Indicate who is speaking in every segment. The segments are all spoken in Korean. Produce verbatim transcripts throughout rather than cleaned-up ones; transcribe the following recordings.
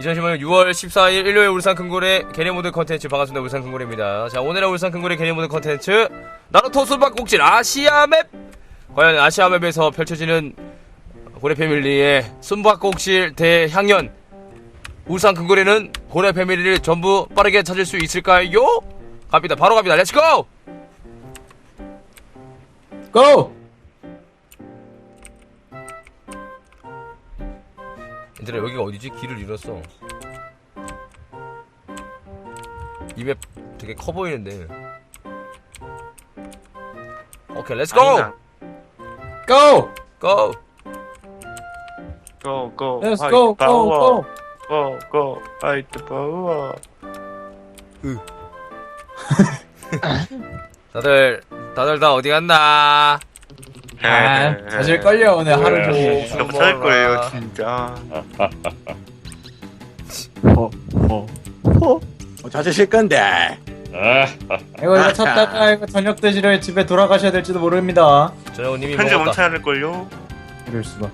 Speaker 1: 이천십오 년 유월 십사일 일요일 울산 큰고래 게리모드 컨텐츠 반갑습니다. 울산 큰고래입니다. 자, 오늘의 울산 큰고래 게리모드 컨텐츠 나루토 숨바꼭질 아시아 맵! 과연 아시아 맵에서 펼쳐지는 고래 패밀리의 숨바꼭질 대향연, 울산 큰고래는 고래 패밀리를 전부 빠르게 찾을 수 있을까요? 갑니다. 바로 갑니다. 렛츠고!
Speaker 2: 고!
Speaker 1: 얘들아, 여기가 어디지? 길을 잃었어. 이 맵 되게 커 보이는데. 오케이, 렛츠고!
Speaker 2: 고!
Speaker 1: 고!
Speaker 3: 고, 고,
Speaker 2: Let's
Speaker 3: 화이트
Speaker 2: go, go,
Speaker 3: 파워.
Speaker 2: go!
Speaker 3: 고, 고, 화이트 파워.
Speaker 1: 다들, 다들 다 어디 갔나?
Speaker 2: 아, 찾을걸요, 오늘 하루 종일.
Speaker 3: 너무 찰 거예요, 진짜.
Speaker 2: 호, 호, 호.
Speaker 4: 뭐 찾으실 건데.
Speaker 2: 이거, 이거 찾다가 이거 저녁 드시러 집에 돌아가셔야 될지도 모릅니다.
Speaker 1: 저녁님이
Speaker 3: 편지
Speaker 1: 먹었다.
Speaker 3: 멈춰야 할걸요?
Speaker 2: 이럴 수가.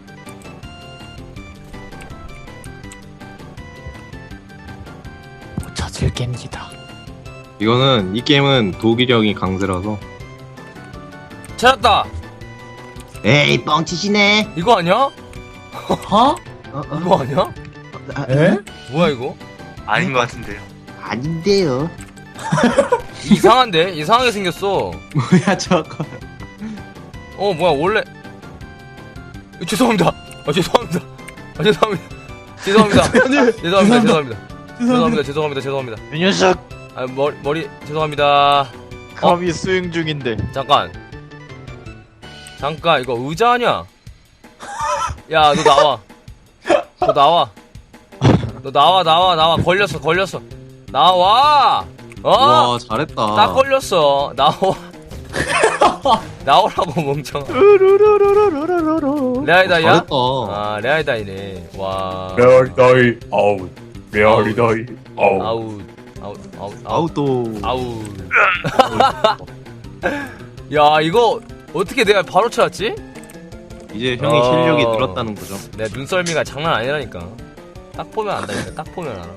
Speaker 2: 못 찾을 깹니다.
Speaker 5: 이거는 이 게임은 독일이 형이 강세라서.
Speaker 1: 찾았다!
Speaker 5: 에이 뻥치시네.
Speaker 1: 이거 아니야?
Speaker 2: 어?
Speaker 5: 어, 어.
Speaker 1: 이거 아니야?
Speaker 5: 아,
Speaker 2: 에?
Speaker 1: 뭐야 이거?
Speaker 3: 아닌 것 같은데요.
Speaker 5: 아닌데요.
Speaker 1: 이상한데? 이상하게 생겼어.
Speaker 5: 뭐야 저거.
Speaker 1: 어, 뭐야 원래. 어, 죄송합니다. 아, 죄송합니다. 아, 죄송합니다. 죄송합니다. 죄송합니다. 죄송합니다. 죄송합니다. 죄송합니다. 죄송합니다.
Speaker 6: 이 녀석
Speaker 1: 아, 머리 머리 죄송합니다.
Speaker 6: 감히 수행 중인데
Speaker 1: 잠깐. 잠깐, 이거 의자 아니야? 야, 너 나와. 너 나와. 너 나와, 나와, 나와. 걸렸어, 걸렸어. 나와! 어?
Speaker 5: 와 잘했다.
Speaker 1: 딱 걸렸어. 나와. 나오라고, 멍청아. 레아이다이야?
Speaker 5: 잘했다.
Speaker 1: 아, 레아이다이네. 와.
Speaker 4: 메어리다이 아웃. 메어리다이 아웃.
Speaker 1: 아웃. 아웃, 아웃, 아웃.
Speaker 5: 아우또.
Speaker 1: 아웃. 야, 이거 어떻게 내가 바로 찾았지?
Speaker 5: 이제 형이
Speaker 1: 어.
Speaker 5: 실력이 늘었다는 거죠.
Speaker 1: 내 눈썰미가 장난 아니라니까. 딱 보면 안다니까. 딱 보면 알아.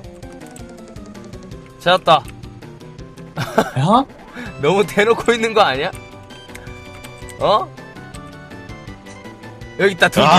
Speaker 1: 찾았다.
Speaker 2: 야?
Speaker 1: 너무 대놓고 있는 거 아니야? 어? 여기 있다, 둘.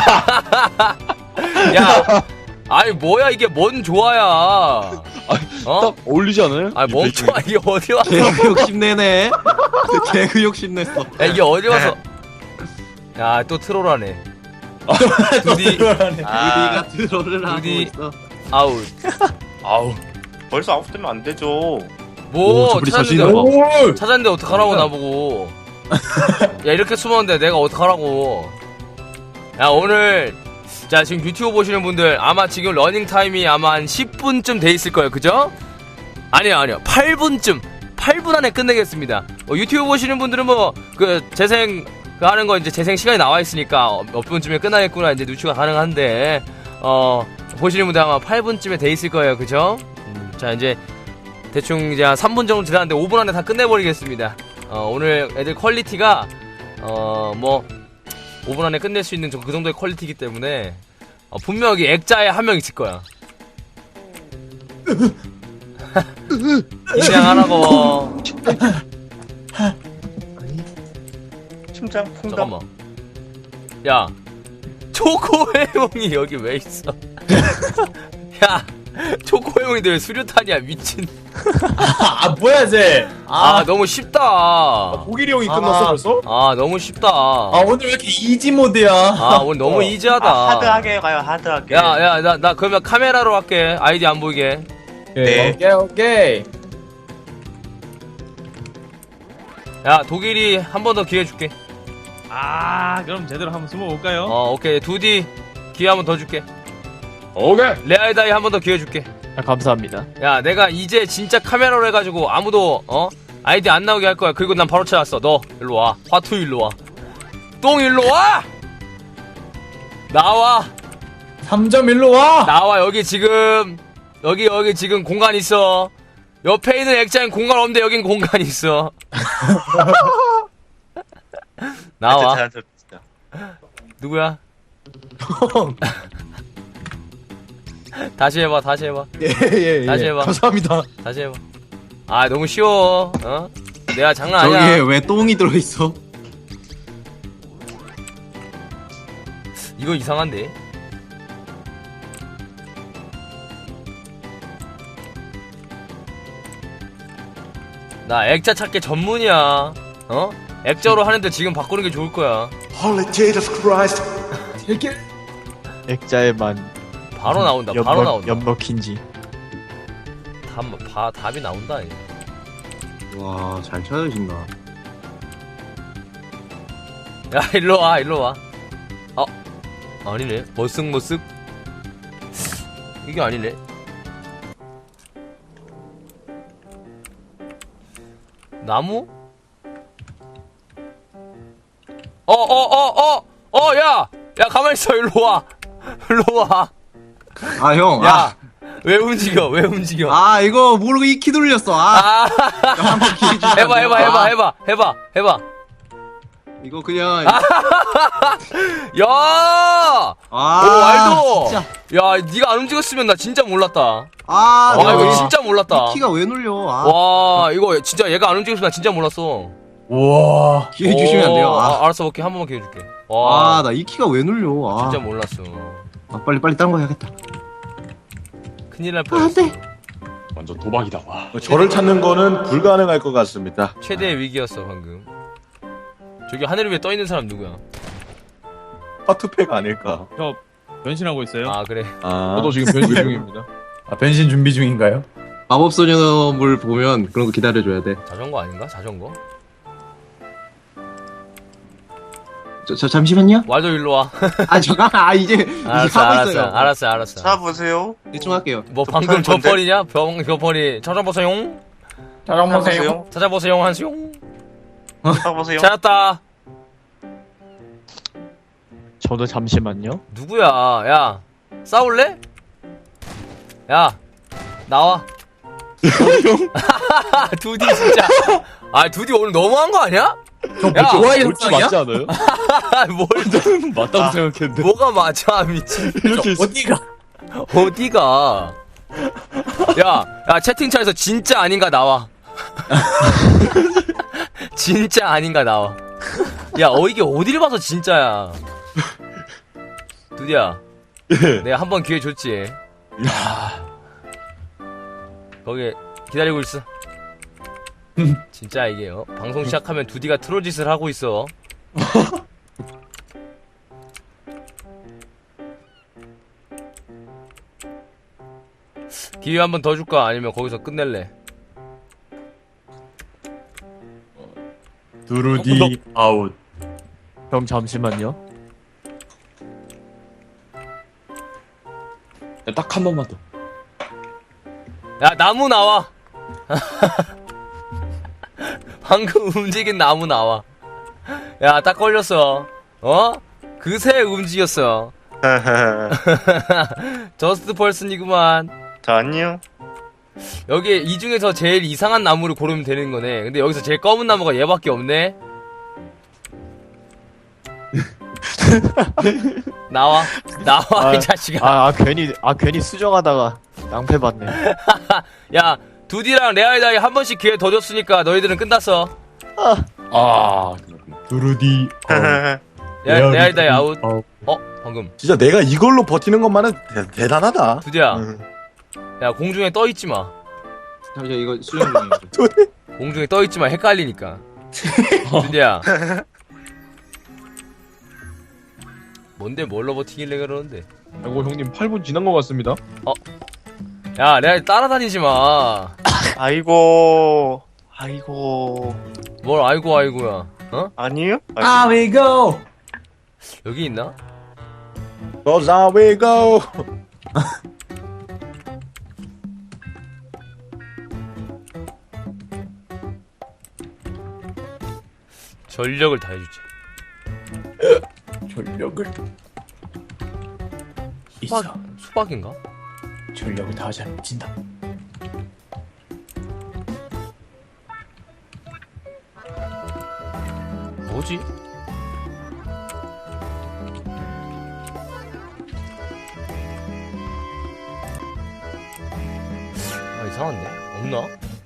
Speaker 1: 야, 아니 뭐야 이게 뭔 조화야? 어?
Speaker 6: 딱 어울리지 않아요?
Speaker 1: 아니 멍청아, 이게 어디 와서?
Speaker 5: 개그 욕심내네. 개그 욕심냈어.
Speaker 1: 야, 이게 어디 와서? 야, 또 트롤하네. 두디 아,
Speaker 5: 우리가 드러를 하고
Speaker 1: 우리-
Speaker 5: 있어.
Speaker 1: 아웃.
Speaker 3: 아우. 벌써 아웃 되면 안 되죠.
Speaker 1: 뭐
Speaker 5: 오, 저리
Speaker 1: 찾았는데
Speaker 5: 자신이
Speaker 2: 오!
Speaker 1: 찾았는데 어떡하라고 나보고. 야, 이렇게 숨었는데 내가 어떡하라고. 야, 오늘 자, 지금 유튜브 보시는 분들 아마 지금 러닝 타임이 아마 한 십 분쯤 돼 있을 거예요. 그죠? 아니요, 아니요. 팔 분쯤. 팔 분 안에 끝내겠습니다. 어, 유튜브 보시는 분들은 뭐 그 재생 그 하는 거 이제 재생 시간이 나와 있으니까 어, 몇 분쯤에 끝나겠구나 이제 누추가 가능한데 어 보시는 분들 아마 팔 분쯤에 돼 있을 거예요. 그죠? 음, 자, 이제 대충 이제 한 삼 분 정도 지났는데 오 분 안에 다 끝내버리겠습니다. 어, 오늘 애들 퀄리티가 어 뭐 오 분 안에 끝낼 수 있는 그 정도의 퀄리티이기 때문에 어, 분명히 액자에 한 명 있을 거야. 인양하라고.
Speaker 3: 심장 풍당.
Speaker 1: 잠깐만. 야, 초코해몽이 여기 왜 있어? 야, 초코해몽인데 왜 수류탄이야, 미친.
Speaker 2: 아, 뭐야, 쟤?
Speaker 1: 아,
Speaker 2: 아,
Speaker 1: 너무 쉽다.
Speaker 4: 독일이 형이
Speaker 2: 아.
Speaker 4: 끝났어 벌써?
Speaker 1: 아, 너무 쉽다.
Speaker 2: 아, 오늘 왜 이렇게 이지 모드야?
Speaker 1: 아, 오늘 너무
Speaker 4: 어.
Speaker 1: 이지하다.
Speaker 3: 아, 하드하게 가요, 하드하게.
Speaker 1: 야, 야, 나, 나 그러면 카메라로 할게. 아이디 안 보이게.
Speaker 3: 네.
Speaker 2: 오케이, 오케이.
Speaker 1: 야, 독일이 한 번 더 기회 줄게.
Speaker 6: 아 그럼 제대로 한번 숨어볼까요?
Speaker 1: 어, 오케이. 두디 기회 한 번 더 줄게.
Speaker 4: 오케이.
Speaker 1: 레아이다이 한 번 더 기회 줄게.
Speaker 6: 아, 감사합니다.
Speaker 1: 야, 내가 이제 진짜 카메라로 해가지고 아무도 어 아이디 안 나오게 할 거야. 그리고 난 바로 찾았어. 너 일로 와. 화투 일로 와. 똥 일로 와. 나와.
Speaker 2: 삼 점 일로 와!
Speaker 1: 나와. 여기 지금 여기 여기 지금 공간 있어. 옆에 있는 액자엔 공간 없는데 여긴 공간 있어. 나와. 누구야? 다시 해봐, 다시 해봐,
Speaker 2: 예예 예.
Speaker 1: 다시 해봐.
Speaker 2: 감사합니다.
Speaker 1: 다시 해봐. 아, 너무 쉬워. 어? 내가 장난
Speaker 5: 저기에
Speaker 1: 아니야.
Speaker 5: 왜 똥이 들어있어?
Speaker 1: 이거 이상한데? 나 액자 찾기 전문이야. 어? 액자로 하는데 지금 바꾸는 게 좋을 거야.
Speaker 4: Holy Jesus Christ.
Speaker 2: 되게
Speaker 6: 액자에만
Speaker 1: 바로 나온다. 바로
Speaker 6: 연
Speaker 1: 나온다.
Speaker 6: 연먹힌지.
Speaker 1: 답, 바, 답이 나온다.
Speaker 5: 와, 잘 찾으신다.
Speaker 1: 야, 일로 와, 일로 와. 어? 아니네. 머쓱머쓱. 이게 아니네. 나무? 어, 어, 어, 어! 어, 야! 야, 가만있어, 일로 와. 일로 와.
Speaker 5: 아, 형.
Speaker 1: 야!
Speaker 5: 아,
Speaker 1: 왜 움직여, 왜 움직여.
Speaker 5: 아, 이거 모르고 이 키 돌렸어. 아,
Speaker 1: 아,
Speaker 5: 한번 키 주시면
Speaker 1: 해봐,
Speaker 5: 안 돼요?
Speaker 1: 해봐, 해봐,
Speaker 5: 아,
Speaker 1: 해봐, 해봐, 해봐.
Speaker 5: 이거 그냥.
Speaker 1: 야!
Speaker 5: 아,
Speaker 1: 오, 알도!
Speaker 5: 진짜.
Speaker 1: 야, 니가 안 움직였으면 나 진짜 몰랐다.
Speaker 5: 아,
Speaker 1: 아,
Speaker 5: 내가
Speaker 1: 이거
Speaker 5: 왜-
Speaker 1: 진짜 몰랐다.
Speaker 5: 이 키가 왜 눌려? 아,
Speaker 1: 와, 이거 진짜 얘가 안 움직였으면 나 진짜 몰랐어.
Speaker 2: 우와.
Speaker 5: 기회 주시면 안 돼요?
Speaker 1: 오,
Speaker 5: 아,
Speaker 1: 아, 알았어, 오케이. 한 번만 기회 줄게. 와,
Speaker 5: 아, 나 이 키가 왜 눌려? 아,
Speaker 1: 진짜 몰랐어.
Speaker 5: 아, 빨리 빨리 딴 거 해야겠다.
Speaker 1: 큰일 날
Speaker 5: 아,
Speaker 1: 뻔했어.
Speaker 5: 안 돼.
Speaker 4: 완전 도박이다. 와.
Speaker 7: 저를 찾는 거는 불가능할 것 같습니다.
Speaker 1: 최대의 위기였어, 방금. 저기 하늘 위에 떠 있는 사람 누구야?
Speaker 7: 하트팩 아닐까?
Speaker 6: 저 변신하고 있어요.
Speaker 1: 아, 그래.
Speaker 7: 아,
Speaker 6: 저도 지금 변신 중입니다.
Speaker 2: 아 변신 준비 중인가요?
Speaker 5: 마법 소녀물 보면 그런 거 기다려줘야 돼.
Speaker 1: 자전거 아닌가? 자전거?
Speaker 5: 저, 저 잠시만요.
Speaker 1: 왈도 일로 와.
Speaker 5: 아, 잠깐. 아, 이제 이제
Speaker 1: 알았어,
Speaker 5: 하고
Speaker 1: 알았어,
Speaker 5: 있어요.
Speaker 1: 알았어, 알았어.
Speaker 3: 찾아보세요.
Speaker 5: 대충 할게요.
Speaker 1: 뭐
Speaker 3: 저
Speaker 1: 방금 저
Speaker 3: 건데?
Speaker 1: 펄이냐? 병, 저 펄이. 찾아보세요.
Speaker 2: 자랑 보세요.
Speaker 3: 찾아보세요.
Speaker 1: 찾아보세요, 한수용.
Speaker 3: 찾아보세요.
Speaker 1: 찾았다.
Speaker 6: 저도 잠시만요.
Speaker 1: 누구야? 야, 싸울래? 야, 나와. 두디 진짜. 아, 두디 오늘 너무한 거 아니야? 야,
Speaker 2: 좋아해
Speaker 6: 옳지 맞지 않아요?
Speaker 1: 뭘,
Speaker 6: 맞다고 생각했는데.
Speaker 1: 뭐가 맞아, 미친.
Speaker 6: 이렇게
Speaker 2: 어디가?
Speaker 1: 어디가? 야, 야, 채팅창에서 진짜 아닌가 나와. 진짜 아닌가 나와. 야, 어, 이게 어디를 봐서 진짜야. 두디야. 내가 한 번 기회 줬지. 거기 기다리고 있어. 진짜 이게 어? 방송 시작하면 두디가 트롤짓을 하고 있어. 기회 한 번 더 줄까? 아니면 거기서 끝낼래?
Speaker 2: 두루디 아웃.
Speaker 6: 형 잠시만요.
Speaker 4: 딱 한 번만 더.
Speaker 1: 야, 나무 나와. 방금 움직인 나무 나와. 야, 딱 걸렸어. 어? 그새 움직였어. 저스트 펄슨이구만.
Speaker 3: 저 아니요.
Speaker 1: 여기 이 중에서 제일 이상한 나무를 고르면 되는 거네. 근데 여기서 제일 검은 나무가 얘밖에 없네. 나와. 나와,
Speaker 6: 아,
Speaker 1: 이 자식아.
Speaker 6: 아, 아 괜히 아 괜히 수정하다가 낭패 받네.
Speaker 1: 야, 두디랑 레알다이 한 번씩 기회 더 줬으니까 너희들은 끝났어.
Speaker 4: 아, 그렇구나.
Speaker 2: 두루디 아웃.
Speaker 1: 야,
Speaker 2: 레알다이
Speaker 1: 레알다이 아웃.
Speaker 2: 아웃.
Speaker 1: 어? 방금.
Speaker 7: 진짜 내가 이걸로 버티는 것만은 대, 대단하다.
Speaker 1: 두디야.
Speaker 3: 음.
Speaker 1: 야, 공중에 떠 있지 마.
Speaker 5: 잠시만, 이거 수정 중이에요.
Speaker 1: 공중에 떠 있지 마. 헷갈리니까. 두디야. 뭔데 뭘로 버티길래 그러는데?
Speaker 6: 아이고 형님 팔 분 지난 것 같습니다.
Speaker 1: 야, 내가 따라다니지 마.
Speaker 3: 아이고. 아이고.
Speaker 1: 뭘 아이고 아이고야. 어?
Speaker 3: 아니요?
Speaker 2: 아, we go.
Speaker 1: 여기 있나?
Speaker 7: Goes on we go.
Speaker 1: 전력을 다해주지.
Speaker 2: 전력을
Speaker 1: 수박,
Speaker 2: 있어.
Speaker 1: 수박인가?
Speaker 2: 전력을 다하지 않으면 진다.
Speaker 1: 뭐지? 이상한데? 없나?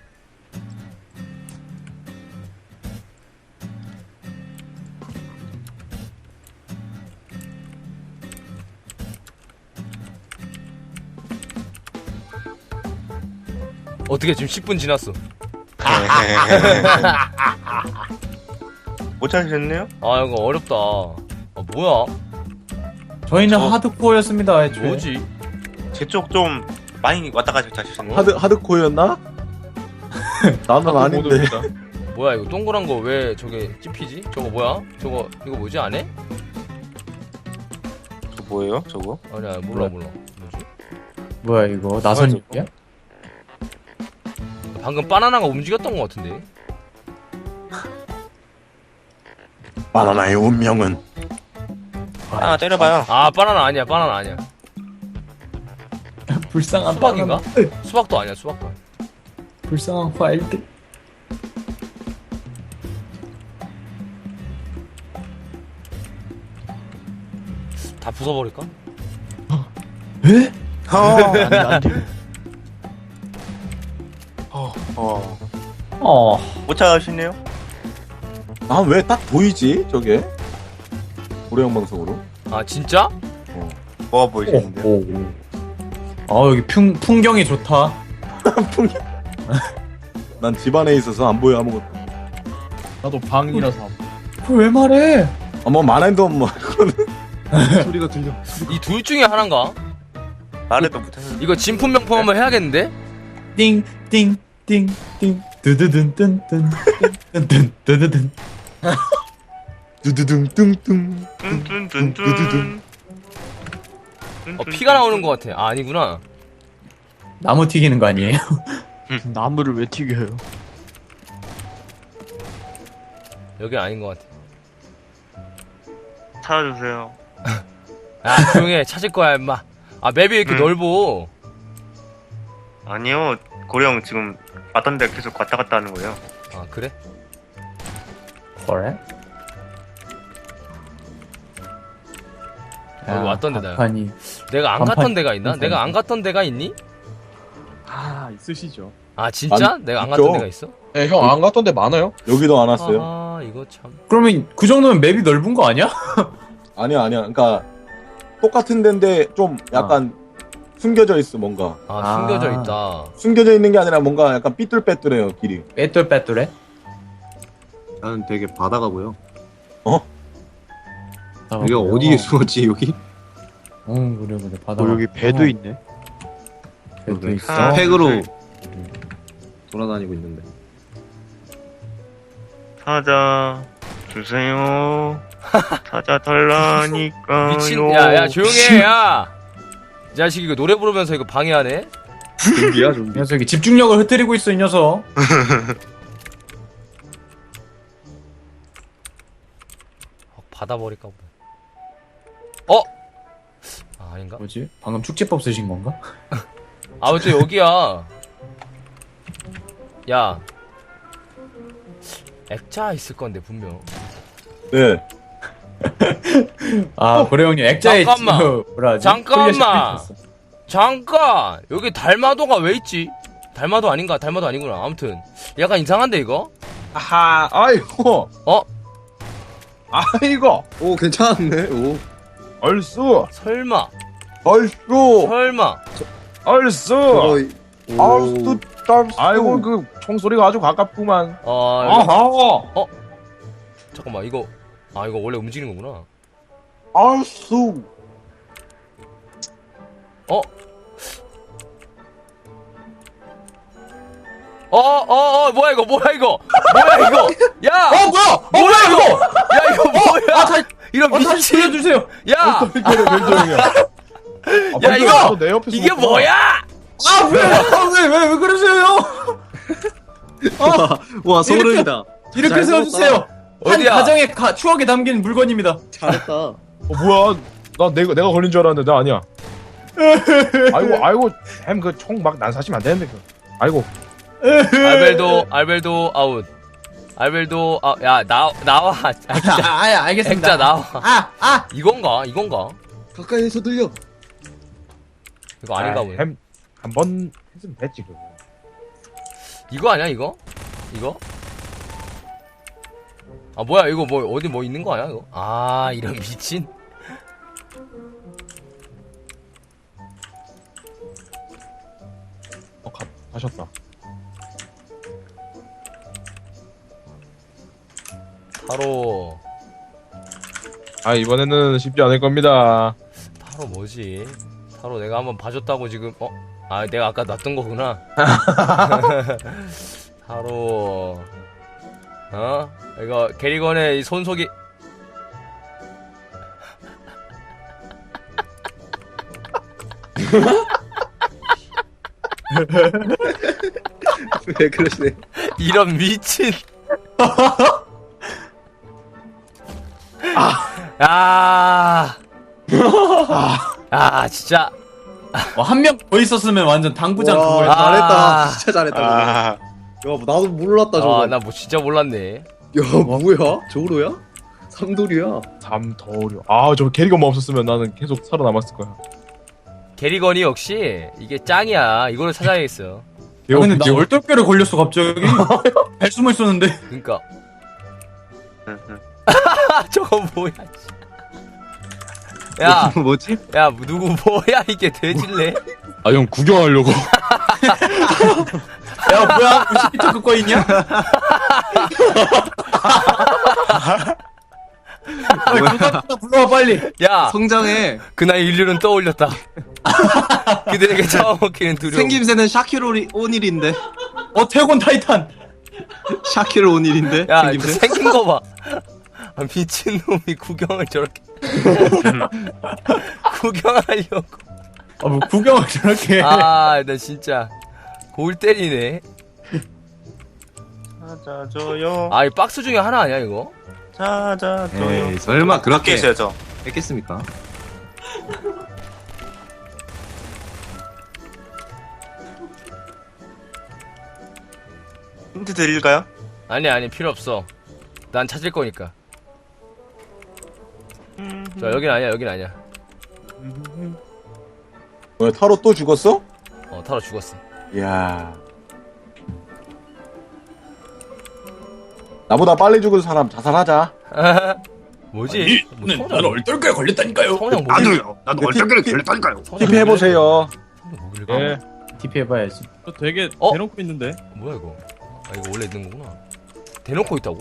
Speaker 1: 어떻게 지금 십 분 지났어?
Speaker 3: 못 찾으셨네요?
Speaker 1: 아 이거 어렵다. 아 뭐야?
Speaker 2: 저희는
Speaker 3: 저-
Speaker 2: 하드코어였습니다. 애초에.
Speaker 1: 뭐지?
Speaker 3: 제 쪽 좀 많이 왔다 갔다 하셨네요.
Speaker 7: 하드 하드코어였나? 나는 아닌데.
Speaker 6: 모드입니다.
Speaker 1: 뭐야 이거 동그란 거 왜 저게 찝히지? 저거 뭐야? 저거 이거 뭐지 안 해?
Speaker 3: 저 뭐예요, 저거?
Speaker 1: 아니야 몰라 몰라. 뭐지?
Speaker 2: 뭐야 이거 나선님이야?
Speaker 1: 방금 바나나가 움직였던 것 같은데.
Speaker 7: 바나나의 운명은
Speaker 3: 아, 때려봐요.
Speaker 1: 아 바나나 아니야 바나나 아니야.
Speaker 2: 불쌍한
Speaker 1: 수박인가?
Speaker 2: 바나나.
Speaker 1: 수박도 아니야 수박도 아니야.
Speaker 2: 불쌍한 화일들.
Speaker 1: 다 부숴버릴까?
Speaker 2: 에?
Speaker 6: 안돼 안돼.
Speaker 3: 어, 어.
Speaker 2: 어.
Speaker 3: 못 찾으셨네요?
Speaker 7: 아 왜 딱 보이지 저게? 고래형 방송으로?
Speaker 1: 아 진짜?
Speaker 3: 뭐가 보이시는데요?
Speaker 2: 오, 오. 아 여기 풍 풍경이 좋다.
Speaker 7: 난 집안에 있어서 안 보여 아무것도.
Speaker 6: 나도 방이라서
Speaker 2: 그걸 왜 말해?
Speaker 7: 아뭐 만화도 뭐
Speaker 4: 소리가 들려.
Speaker 1: 이 둘 중에 하나인가?
Speaker 3: 말해도 못하셨네.
Speaker 1: 이거 진품 명품 한번 해야겠는데?
Speaker 2: 띵띵띵띵 드드든뜬뜬 뜬뜬 드드든.
Speaker 7: 두두둥 뚱뚱.
Speaker 3: 뚠뚠뚠뚠.
Speaker 1: 어 피가 나오는 것 같아. 아 아니구나.
Speaker 2: 나무 튀기는 거 아니에요?
Speaker 6: 나무를 왜 튀겨요?
Speaker 1: 여기 아닌 것 같아.
Speaker 3: 찾아주세요.
Speaker 1: 야 조용해 찾을 거야 임마. 아 맵이 왜 이렇게
Speaker 3: 음.
Speaker 1: 넓어?
Speaker 3: 아니요, 고령 지금 왔던 데 계속 왔다 갔다 하는 거예요.
Speaker 1: 아 그래?
Speaker 2: 그래?
Speaker 1: 여기 왔던 데다.
Speaker 2: 아니
Speaker 1: 내가 안
Speaker 2: 간판-
Speaker 1: 갔던 데가 있나?
Speaker 2: 간판.
Speaker 1: 내가 안 갔던 데가 있니?
Speaker 6: 아 있으시죠.
Speaker 1: 아 진짜?
Speaker 7: 아니,
Speaker 1: 내가 안
Speaker 7: 있죠.
Speaker 1: 갔던 데가 있어?
Speaker 6: 네, 형 안 갔던 데 많아요?
Speaker 7: 여기도 안 왔어요?
Speaker 1: 아 이거 참.
Speaker 2: 그러면 그 정도면 맵이 넓은 거 아니야?
Speaker 7: 아니야 아니야. 그러니까 똑같은 데인데 좀 약간 숨겨져 있어 뭔가.
Speaker 1: 아
Speaker 2: 아.
Speaker 1: 숨겨져 있다.
Speaker 7: 숨겨져 있는 게 아니라 뭔가 약간 삐뚤빼뚤해요 길이.
Speaker 2: 빼뚤빼뚤해?
Speaker 5: 나는 되게 바다가 보여.
Speaker 2: 아,
Speaker 5: 여기가
Speaker 2: 그래요?
Speaker 5: 어디에 숨었지 여기?
Speaker 2: 응 그래 그래 바다.
Speaker 6: 뭐 여기 배도 있네.
Speaker 2: 배도
Speaker 5: 그래.
Speaker 2: 있어.
Speaker 3: 아,
Speaker 5: 팩으로
Speaker 3: 네.
Speaker 5: 돌아다니고 있는데.
Speaker 3: 찾아 주세요. 찾아 달라니까요.
Speaker 1: 미친. 야야 조용해 야. 이 자식 이거 노래 부르면서 이거 방해하네.
Speaker 5: 좀비야
Speaker 2: 이
Speaker 5: 좀비.
Speaker 2: 녀석이 집중력을 흐트리고 있어 이 녀석.
Speaker 1: 어, 받아버릴까 보다. 어? 아 아닌가?
Speaker 2: 뭐지? 방금 축제법 쓰신 건가?
Speaker 1: 아 왜 또 여기야? 야. 액자 있을 건데 분명.
Speaker 7: 네.
Speaker 2: 아 고래 형님 액자에
Speaker 1: 잠깐만.
Speaker 2: 저 뭐라 하지?
Speaker 1: 잠깐만.
Speaker 2: 홀려 씹혀있었어.
Speaker 1: 잠깐 여기 달마도가 왜 있지? 달마도 아닌가? 달마도 아니구나. 아무튼 약간 이상한데 이거?
Speaker 6: 아하 아이고
Speaker 1: 어?
Speaker 6: 아이고
Speaker 5: 오 괜찮네. 오.
Speaker 6: 얼쑤
Speaker 1: 설마
Speaker 7: 얼쑤.
Speaker 1: 설마
Speaker 6: 얼쑤.
Speaker 5: 저거
Speaker 7: 얼쑤 떨쑤.
Speaker 6: 아이고 그 총소리가 아주 가깝구만.
Speaker 1: 아 여기-
Speaker 6: 아하.
Speaker 1: 잠깐만 이거 아 이거 원래 움직이는 거구나.
Speaker 7: 얼쑤.
Speaker 1: 어? 어, 어, 어, 뭐야, 이거, 뭐야, 이거? 뭐야, 이거? 야!
Speaker 2: 어 뭐야? 어
Speaker 1: 뭐야, 이거? 야, 이거 뭐야?
Speaker 2: 아 다시
Speaker 1: 이런
Speaker 2: 어, 다시
Speaker 1: 미친.
Speaker 2: 들려주세요.
Speaker 1: 야!
Speaker 6: 별조용이야 별조용이야.
Speaker 1: 야, 이거!
Speaker 6: 내 옆에
Speaker 1: 이게
Speaker 6: 숨었구나.
Speaker 1: 뭐야?
Speaker 2: 아 왜? 아, 왜, 왜, 왜 그러세요 형?
Speaker 5: 와, 와 소름이다.
Speaker 2: 이렇게
Speaker 5: 잘
Speaker 2: 세워주세요. 한
Speaker 1: 어디야?
Speaker 2: 가정의 가, 추억에 담긴 물건입니다.
Speaker 5: 잘했다.
Speaker 6: 어 뭐야? 나 내가 내가 걸린 줄 알았는데 나 아니야. 아이고 아이고 햄 그 총 막 난사시면 안 되는데 그. 아이고
Speaker 1: 알벨도, 알벨도 아웃. 알벨도, 아, 야, 나, 나와. 아,
Speaker 2: 아,
Speaker 1: 진짜.
Speaker 2: 아, 알겠습니다.
Speaker 1: 액자 나와.
Speaker 2: 아, 아.
Speaker 1: 이건가? 이건가?
Speaker 5: 가까이에서 들려.
Speaker 1: 이거 아닌가 보네.
Speaker 6: 햄 한 번 했으면 됐지 그거.
Speaker 1: 이거 아니야 이거? 이거? 아 뭐야 이거 뭐 어디 뭐 있는 거 아니야 이거? 아 이런 미친.
Speaker 6: 어, 가, 가셨다.
Speaker 1: 타로
Speaker 6: 아, 이번에는 쉽지 않을 겁니다.
Speaker 1: 타로 뭐지? 타로 내가 한번 봐줬다고 지금 어? 아 내가 아까 놨던 거구나. 타로 어? 이거 게리건의 이 손속이
Speaker 4: 왜 그러시네.
Speaker 1: 이런 미친. 아, 아, 진짜.
Speaker 2: 한 명 더 있었으면 완전 당구장
Speaker 4: 와,
Speaker 2: 그거였다.
Speaker 4: 잘했다.
Speaker 1: 아.
Speaker 4: 진짜 잘했다.
Speaker 3: 아,
Speaker 4: 야, 뭐 나도 몰랐다 저거.
Speaker 1: 아, 나 뭐 진짜 몰랐네.
Speaker 4: 야, 뭐야? 저로야? 삼돌이야.
Speaker 6: 삼더려. 아, 저 캐리건만 없었으면 나는 계속 살아남았을 거야.
Speaker 1: 게리건이 역시 이게 짱이야. 이거를 찾아야겠어.
Speaker 2: 아, 근데 나 얼떨결에 걸렸어 갑자기. 잘 숨어 있었는데.
Speaker 1: 그니까. 저거 뭐야, 씨. 야,
Speaker 5: 뭐지?
Speaker 1: 야, 누구 뭐야, 이게 돼질래?
Speaker 6: 아, 형 구경하려고.
Speaker 2: 야 뭐야? 이십 미터 그거 있냐? 누가 불러와 빨리.
Speaker 1: 야,
Speaker 5: 성장해.
Speaker 1: 그날 인류는 떠올렸다. 그들에게 잡아먹히는 두려움.
Speaker 5: 생김새는 샤키로 오닐인데.
Speaker 2: 어 태곤 타이탄.
Speaker 5: 샤키로 오닐인데.
Speaker 1: 야, 그
Speaker 5: 생김새.
Speaker 1: 생긴 거 봐. 아, 미친놈이 구경을 저렇게. 구경하려고.
Speaker 2: 아 뭐 구경을 저렇게.
Speaker 1: 아, 나 진짜. 골 때리네.
Speaker 3: 찾아줘요.
Speaker 1: 아, 이 박스 중에 하나 아니야, 이거?
Speaker 3: 찾아줘요.
Speaker 5: 에이, 설마
Speaker 3: 밖에
Speaker 5: 그렇게
Speaker 3: 있어요, 저.
Speaker 5: 했겠습니까?
Speaker 3: 힌트 드릴까요?
Speaker 1: 아니, 아니, 필요 없어. 난 찾을 거니까. 자, 여긴 아니야, 여긴 아니야.
Speaker 7: 뭐야, 타로 또 죽었어?
Speaker 1: 어, 타로 죽었어.
Speaker 7: 이야. 나보다 빨리 죽은 사람 자살하자.
Speaker 1: 뭐지? 뭐 성장,
Speaker 2: 얼떨결에 걸렸다니까요.
Speaker 1: 성장 뭐 나도요.
Speaker 5: 나도 얼떨결에 걸렸다니까요.
Speaker 7: 티피 해보세요.
Speaker 1: 성장 뭐 길까?
Speaker 6: 예.
Speaker 2: 티피 해봐야지.
Speaker 8: 저 되게
Speaker 1: 어?
Speaker 8: 대놓고 있는데.
Speaker 1: 뭐야, 이거? 아, 이거 원래 있는 거구나. 대놓고 있다고?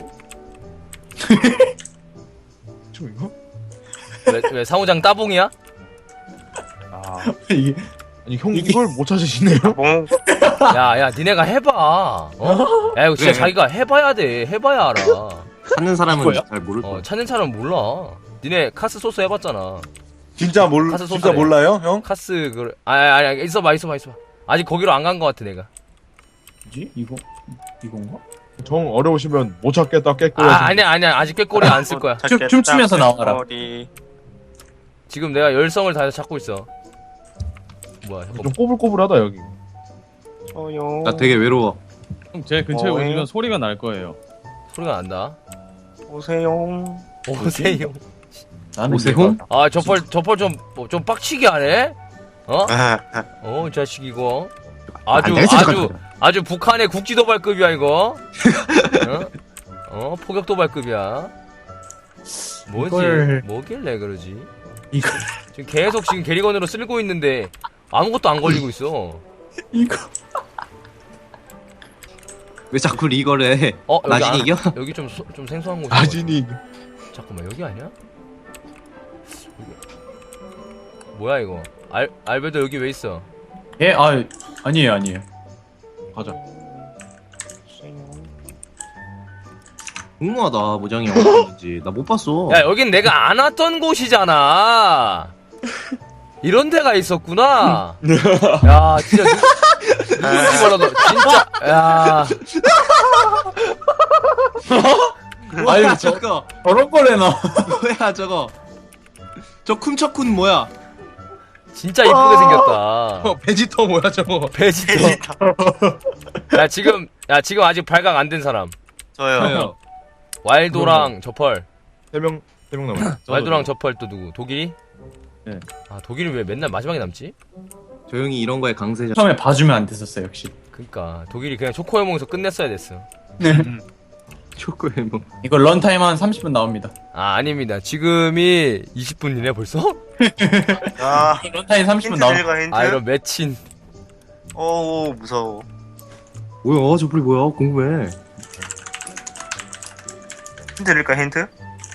Speaker 6: 저 이거?
Speaker 1: 왜, 왜 상호장 따봉이야?
Speaker 6: 아,
Speaker 2: 이게
Speaker 6: 아니, 형 이걸 못 찾으시네요?
Speaker 3: 뭐,
Speaker 1: 야, 야, 니네가 해봐. 어? 야, 이거 진짜
Speaker 5: 왜?
Speaker 1: 자기가 해봐야 돼. 해봐야 알아.
Speaker 5: 찾는 사람은
Speaker 2: 뭐야?
Speaker 5: 잘 모를 거야.
Speaker 1: 어, 찾는 사람 몰라. 니네 카스 소스 해봤잖아.
Speaker 7: 진짜 몰,
Speaker 1: 가서
Speaker 7: 진짜
Speaker 1: 소스래.
Speaker 7: 몰라요, 형?
Speaker 1: 카스, 그, 아니, 아니, 아니, 있어봐, 있어봐, 있어봐. 아직 거기로 안 간 거 같아, 내가.
Speaker 2: 뭐지? 이거 이건가?
Speaker 6: 정 어려우시면 못 찾겠다, 깨끗.
Speaker 1: 아, 아니야, 아니야. 아직 꾀꼬리 안 쓸 거야.
Speaker 2: 춤- 춤추면서 나와라.
Speaker 3: 머리.
Speaker 1: 지금 내가 열성을 다해서 찾고 있어. 뭐야,
Speaker 6: 좀
Speaker 1: 잠깐.
Speaker 6: 꼬불꼬불하다, 여기.
Speaker 3: 저요.
Speaker 5: 나 되게 외로워.
Speaker 8: 형, 제 근처에
Speaker 3: 어,
Speaker 8: 오시면
Speaker 3: 예.
Speaker 8: 소리가 날 거예요.
Speaker 1: 소리가 난다.
Speaker 3: 오세요.
Speaker 1: 오세요.
Speaker 2: 나는
Speaker 5: 오세훈?
Speaker 2: 이해가-
Speaker 1: 아, 저펄, 저펄 좀, 어, 좀 빡치게 하네? 어? 어, 이 자식 이거. 아주,
Speaker 5: 안 되겠어,
Speaker 1: 아주,
Speaker 5: 잠깐.
Speaker 1: 아주 북한의 국지도발급이야, 이거. 어? 어, 포격도발급이야. 뭐지?
Speaker 2: 이걸-
Speaker 1: 뭐길래 그러지?
Speaker 2: 이거
Speaker 1: 지금 계속 지금 게리건으로 쓸고 있는데 아무것도 안 걸리고 있어.
Speaker 2: 이거
Speaker 5: 왜 자꾸 리거를 해?
Speaker 1: 어, 여기
Speaker 5: 나진이
Speaker 1: 안-
Speaker 5: 이겨?
Speaker 1: 여기 좀, 소- 좀 생소한 곳이.
Speaker 6: 아진이.
Speaker 1: 잠깐만, 여기 아니야? 여기. 뭐야, 이거? 알, 알베도 여기 왜 있어?
Speaker 2: 예, 아 아니에요, 아니에요.
Speaker 6: 가자.
Speaker 5: 궁금하다 모장이 어딘지 나 못 봤어.
Speaker 1: 야, 여긴 내가 안 왔던 곳이잖아. 이런 데가 있었구나. 야, 진짜 누, 누군지 몰라도 진짜. 야,
Speaker 5: 뭐야
Speaker 2: 아니,
Speaker 5: 저거?
Speaker 2: 저런 걸 해놔.
Speaker 5: 뭐야 저거? 저 쿰척쿤 뭐야?
Speaker 1: 진짜 이쁘게 생겼다.
Speaker 6: 어, 베지터 뭐야, 저거.
Speaker 1: 베지터. 야, 지금 야, 지금 아직 발각 안 된 사람.
Speaker 3: 저요.
Speaker 5: 저요.
Speaker 1: 와일도랑 저펄.
Speaker 6: 세 명, 세 명 남았어.
Speaker 1: 와일도랑 저펄 또 누구? 독일이?
Speaker 8: 네.
Speaker 1: 아, 독일이 왜 맨날 마지막에 남지?
Speaker 5: 조용히 이런 거에 강세죠.
Speaker 2: 처음에 봐주면 안 됐었어 역시.
Speaker 1: 그니까 독일이 그냥 초코해몽에서 끝냈어야 됐어.
Speaker 5: 초코에 뭐.
Speaker 2: 이거 런타임 한 삼십 분 나옵니다.
Speaker 1: 아 아닙니다. 지금이 이십 분이네 벌써?
Speaker 3: 아,
Speaker 2: 런타임 삼십 분
Speaker 3: 힌트
Speaker 2: 나옵니다.
Speaker 3: 드릴까, 힌트?
Speaker 1: 아 이런 매친.
Speaker 3: 어우, 무서워.
Speaker 5: 뭐야 저 불이 뭐야 궁금해.
Speaker 3: 힌트 드릴까, 힌트?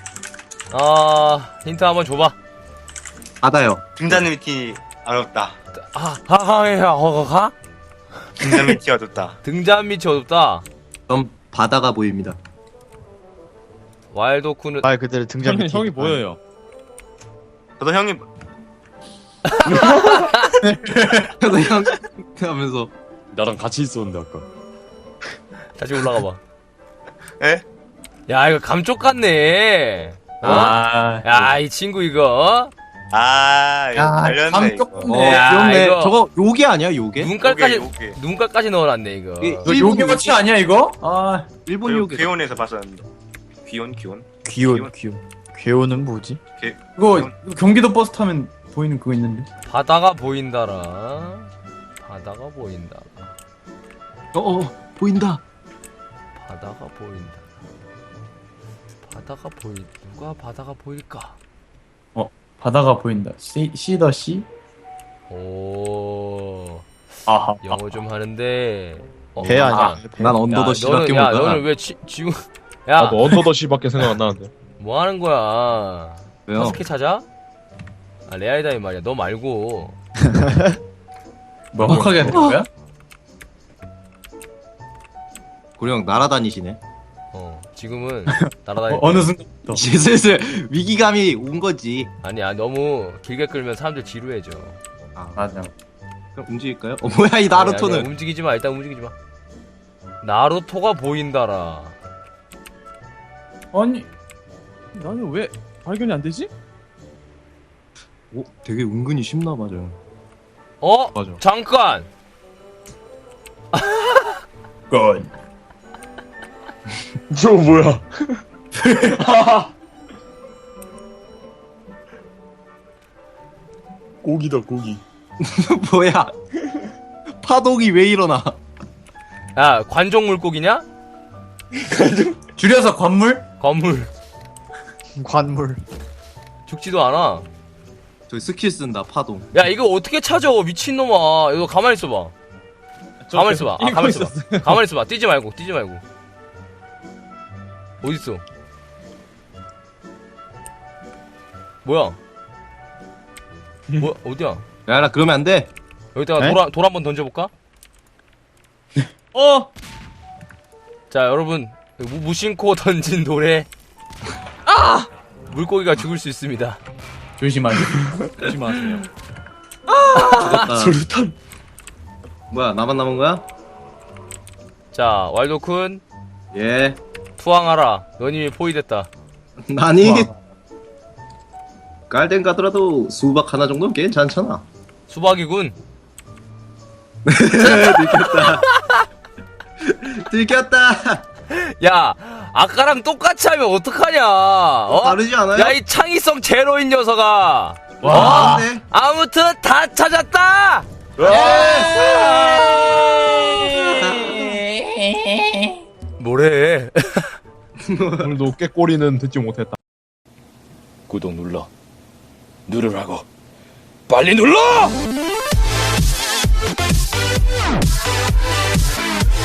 Speaker 1: 아 힌트 한번 줘봐.
Speaker 5: 바다요.
Speaker 3: 등잔 밑이 어렵다.
Speaker 1: 아 하하해야 허허하?
Speaker 3: 등잔 밑이 어둡다.
Speaker 1: 등잔 밑이 어둡다.
Speaker 5: 그럼 바다가 보입니다.
Speaker 1: 와일드호크는
Speaker 9: 말 그대로 등잔
Speaker 8: 형이,
Speaker 9: 밑이
Speaker 8: 형이 보여요.
Speaker 3: 저도 형님,
Speaker 5: 그래서 형 하면서
Speaker 8: 나랑 같이 있었는데 아까.
Speaker 1: 다시 올라가봐.
Speaker 3: 에?
Speaker 1: 야 이거 감쪽 같네. 어?
Speaker 2: 아,
Speaker 1: 야 이 친구 이거
Speaker 3: 아, 이거
Speaker 2: 야,
Speaker 3: 달렸네,
Speaker 2: 감
Speaker 3: 이거.
Speaker 2: 조금-
Speaker 5: 어
Speaker 2: 네.
Speaker 1: 야,
Speaker 5: 귀엽네.
Speaker 1: 이거-
Speaker 5: 저거 요게 아니야 요게?
Speaker 1: 눈깔까지
Speaker 3: 요게, 요게.
Speaker 1: 눈깔까지 넣어놨네 이거.
Speaker 5: 이-
Speaker 2: 이거 요게 워치 아니야 이거? 아,
Speaker 5: 일본
Speaker 3: 그리고
Speaker 5: 요게.
Speaker 3: 귀온에서 봤었는데. 귀온, 귀온.
Speaker 9: 귀여운 귀여운 귀여운은 뭐지?
Speaker 2: 이거, 이거 경기도 버스 타면 보이는 그거 있는데.
Speaker 1: 바다가 보인다라. 바다가 보인다.
Speaker 5: 어, 어 보인다.
Speaker 1: 바다가 보인다. 바다가 보인 누가 바다가 보일까?
Speaker 2: 바다가 보인다. 시, 시더 시?
Speaker 1: 오
Speaker 2: 아하.
Speaker 1: 영어 좀 하는데. 어,
Speaker 9: 배 아니야?
Speaker 1: 아,
Speaker 9: 배.
Speaker 5: 난
Speaker 1: 야,
Speaker 5: 언더더 씨밖에
Speaker 1: 너는, 야
Speaker 5: 몰라.
Speaker 1: 너는 왜 지, 지금 야
Speaker 6: 나도 언더더 씨밖에 생각 안 나는데.
Speaker 1: 뭐 하는 거야?
Speaker 5: 왜요?
Speaker 1: 사스케 찾아? 아 레알다이 말이야. 너 말고.
Speaker 2: 명확하게 하는 거야?
Speaker 5: 고령 날아다니시네.
Speaker 1: 어 지금은 날아다니.
Speaker 2: 어, 어느 순간부터.
Speaker 5: 이제 슬슬 위기감이 온 거지.
Speaker 1: 아니야 너무 길게 끌면 사람들 지루해져.
Speaker 5: 아,
Speaker 2: 맞아.
Speaker 5: 그럼 움직일까요? 어 뭐야 이
Speaker 1: 아니야,
Speaker 5: 나루토는?
Speaker 1: 그냥 움직이지 마. 일단 움직이지 마. 나루토가 보인다라.
Speaker 2: 아니,
Speaker 8: 나는 왜 발견이 안 되지?
Speaker 5: 오 되게 은근히 쉽나 맞아.
Speaker 1: 어?
Speaker 6: 맞아.
Speaker 1: 잠깐.
Speaker 2: 건.
Speaker 6: 저 뭐야? 고기다 고기.
Speaker 5: 뭐야? 파동이 왜 일어나?
Speaker 1: 야 관종 물고기냐?
Speaker 2: 줄여서 관물?
Speaker 1: 건물.
Speaker 9: 관물.
Speaker 1: 죽지도 않아.
Speaker 5: 저기 스킬 쓴다 파동.
Speaker 1: 야 이거 어떻게 찾아 미친놈아. 이거 가만히 있어봐. 가만히 있어봐. 아, 가만히 있어봐. 가만히 있어봐. 뛰지 말고 뛰지 말고. 어딨어? 뭐야? 뭐 어디야?
Speaker 5: 야 나 그러면 안 돼.
Speaker 1: 여기다가
Speaker 9: 에?
Speaker 1: 돌, 한- 돌 한번 던져볼까?
Speaker 8: 어!
Speaker 1: 자 여러분 무, 무심코 던진 돌에 아! 물고기가 죽을 수 있습니다.
Speaker 2: 조심하게.
Speaker 8: 조심하세요.
Speaker 5: 죽었다.
Speaker 6: 수류탄.
Speaker 5: 뭐야 나만 남은 거야?
Speaker 1: 자 왈도쿤
Speaker 5: 예.
Speaker 1: 투항하라. 넌 이미 포위됐다.
Speaker 5: 나니 깔덴 가더라도 수박 하나 정도는 괜찮잖아.
Speaker 1: 수박이군.
Speaker 5: 들켰다. 들켰다.
Speaker 1: 야 아까랑 똑같이 하면 어떡하냐? 어?
Speaker 5: 다르지 않아요?
Speaker 1: 야 이 창의성 제로인 녀석아.
Speaker 5: 와. 네.
Speaker 1: 아무튼 다 찾았다. 뭐래?
Speaker 6: 오늘도 꾀꼬리는 듣지 못했다.
Speaker 10: 구독 눌러 누르라고 빨리 눌러!